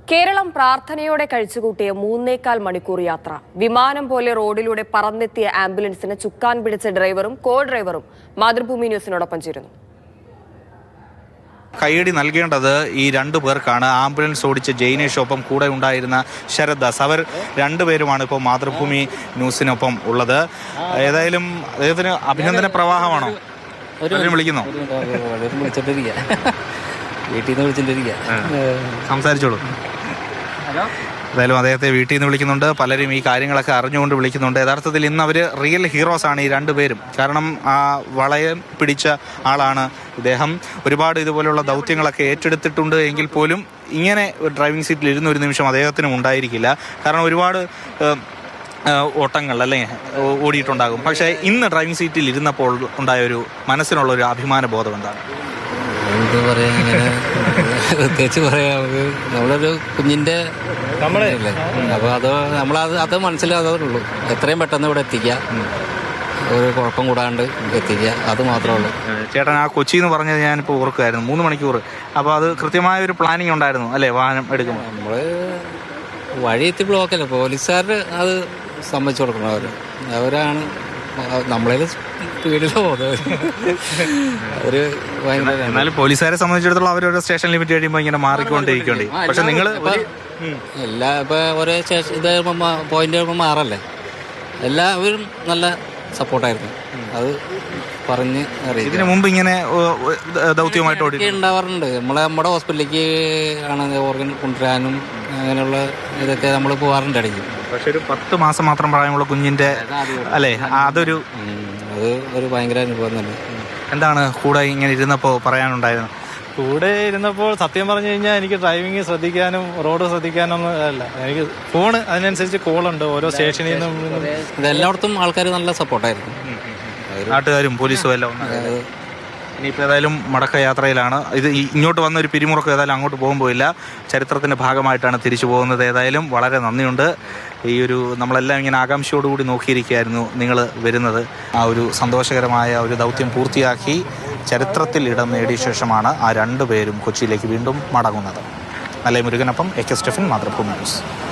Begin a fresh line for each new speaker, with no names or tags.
കേരളം പ്രാർത്ഥനയോടെ കഴിച്ചുകൂട്ടിയ 3.25 മണിക്കൂർ യാത്ര. വിമാനം പോലെ റോഡിലൂടെ പറന്നെത്തിയ ആംബുലൻസിന് ചുക്കാൻ പിടിച്ച ഡ്രൈവറും കോ ഡ്രൈവറും മാതൃഭൂമി ന്യൂസിനോടൊപ്പം ചേരുന്നു.
കൈയടി നൽകേണ്ടത് ഈ രണ്ടു പേർക്കാണ്. ആംബുലൻസ് ഓടിച്ച ജെയിനേഷൊപ്പം കൂടെ ഉണ്ടായിരുന്ന ശരത് ദാസ്. അവർ രണ്ടുപേരുമാണ് ഇപ്പോൾ മാതൃഭൂമി ന്യൂസിനൊപ്പം ഉള്ളത്. ഏതായാലും അദ്ദേഹത്തിന് അഭിനന്ദന പ്രവാഹമാണോ? വിളിക്കുന്നോ? സംസാരിച്ചോളൂ. എന്തായാലും അദ്ദേഹത്തെ വീട്ടിൽ നിന്ന് വിളിക്കുന്നുണ്ട്. പലരും ഈ കാര്യങ്ങളൊക്കെ അറിഞ്ഞുകൊണ്ട് വിളിക്കുന്നുണ്ട്. യഥാർത്ഥത്തിൽ ഇന്ന് അവർ റിയൽ ഹീറോസാണ് ഈ രണ്ടുപേരും. കാരണം ആ വളയം പിടിച്ച ആളാണ് ഇദ്ദേഹം. ഒരുപാട് ഇതുപോലെയുള്ള ദൗത്യങ്ങളൊക്കെ ഏറ്റെടുത്തിട്ടുണ്ട് എങ്കിൽ പോലും ഇങ്ങനെ ഡ്രൈവിംഗ് സീറ്റിൽ ഇരുന്ന ഒരു നിമിഷം അദ്ദേഹത്തിനും ഉണ്ടായിരിക്കില്ല. കാരണം ഒരുപാട് ഓട്ടങ്ങൾ അല്ലേ ഓടിയിട്ടുണ്ടാകും. പക്ഷേ ഇന്ന് ഡ്രൈവിംഗ് സീറ്റിൽ ഇരുന്നപ്പോൾ ഉണ്ടായൊരു മനസ്സിനുള്ളൊരു അഭിമാന ബോധം എന്താണ്?
എന്ത് പറയാ, അങ്ങനെ പ്രത്യേകിച്ച് പറയാം. നമുക്ക് നമ്മളൊരു കുഞ്ഞിൻ്റെ നമ്മളല്ലേ, അപ്പോൾ അത് മനസ്സിലാകുള്ളൂ. എത്രയും പെട്ടെന്ന് ഇവിടെ എത്തിക്കുക, ഒരു കുഴപ്പം കൂടാണ്ട് എത്തിക്കുക, അത് മാത്രമേ ഉള്ളൂ.
ചേട്ടൻ ആ കൊച്ചി എന്ന് പറഞ്ഞത് ഞാനിപ്പോൾ ഓർക്കുമായിരുന്നു, 3 മണിക്കൂർ. അപ്പോൾ അത് കൃത്യമായ ഒരു പ്ലാനിങ് ഉണ്ടായിരുന്നു അല്ലേ വാഹനം എടുക്കുമ്പോൾ?
നമ്മൾ വഴി എത്തി ബ്ലോക്കല്ലേ, പോലീസുകാർ അത് സമ്മതിച്ചു കൊടുക്കണം. അവരാണ് നമ്മളെ സ്പീഡിലോ ഒരു ഭയങ്കര.
എന്നാലും പോലീസുകാരെ സംബന്ധിച്ചിടത്തോളം അവരൊരു സ്റ്റേഷൻ ലിമിറ്റ് കഴിയുമ്പോൾ ഇങ്ങനെ മാറിക്കൊണ്ടിരിക്കേണ്ടി. പക്ഷെ നിങ്ങൾ
എല്ലാ ഇപ്പോൾ ഒരേ സ്റ്റേഷൻ ഇത് പോയിന്റ് കഴിയുമ്പോൾ മാറല്ലേ, എല്ലാവരും നല്ല സപ്പോർട്ടായിരുന്നു. അത് പറഞ്ഞ് അറിയാം.
ഇതിനു മുമ്പ് ഇങ്ങനെ ദൗത്യമായിട്ട്
ഉണ്ടാവാറുണ്ട്. നമ്മുടെ ഹോസ്പിറ്റലിലേക്ക് ആണ് ഓർഗൻ കൊണ്ടുവരാനും അങ്ങനെയുള്ള ഇതൊക്കെ നമ്മൾ പോകാറുണ്ട് ഇടയ്ക്ക്.
പക്ഷെ ഒരു 10 മാസം മാത്രം പ്രായമുള്ള കുഞ്ഞിന്റെ അല്ലേ, അതൊരു
ഭയങ്കര അനുഭവം തന്നെ.
എന്താണ് കൂടെ ഇങ്ങനെ ഇരുന്നപ്പോൾ പറയാനുണ്ടായിരുന്നു?
കൂടെ ഇരുന്നപ്പോൾ സത്യം പറഞ്ഞു കഴിഞ്ഞാൽ എനിക്ക് ഡ്രൈവിംഗ് ശ്രദ്ധിക്കാനും റോഡ് ശ്രദ്ധിക്കാനൊന്നും അല്ല, എനിക്ക് ഫോണ് അതിനനുസരിച്ച് കോളുണ്ട് ഓരോ സ്റ്റേഷനിൽ നിന്നും.
ഇതെല്ലായിടത്തും ആൾക്കാർ നല്ല സപ്പോർട്ടായിരുന്നു,
നാട്ടുകാരും പോലീസും എല്ലാം. ഇനിയിപ്പോൾ ഏതായാലും മടക്ക യാത്രയിലാണ്. ഇത് ഇങ്ങോട്ട് വന്ന ഒരു പിരിമുറുക്കം ഏതായാലും അങ്ങോട്ട് പോകുമ്പോഴില്ല, ചരിത്രത്തിൻ്റെ ഭാഗമായിട്ടാണ് തിരിച്ചു പോകുന്നത്. ഏതായാലും വളരെ നന്ദിയുണ്ട്. ഈ ഒരു നമ്മളെല്ലാം ഇങ്ങനെ ആകാംക്ഷയോടുകൂടി നോക്കിയിരിക്കുകയായിരുന്നു നിങ്ങൾ വരുന്നത്. ആ ഒരു സന്തോഷകരമായ ഒരു ദൗത്യം പൂർത്തിയാക്കി ചരിത്രത്തിൽ ഇടം നേടിയ ശേഷമാണ് ആ രണ്ടുപേരും കൊച്ചിയിലേക്ക് വീണ്ടും മടങ്ങുന്നത്. നല്ല മുരുകനൊപ്പം AK സ്റ്റെഫൻ, മാതൃഭൂമി ന്യൂസ്.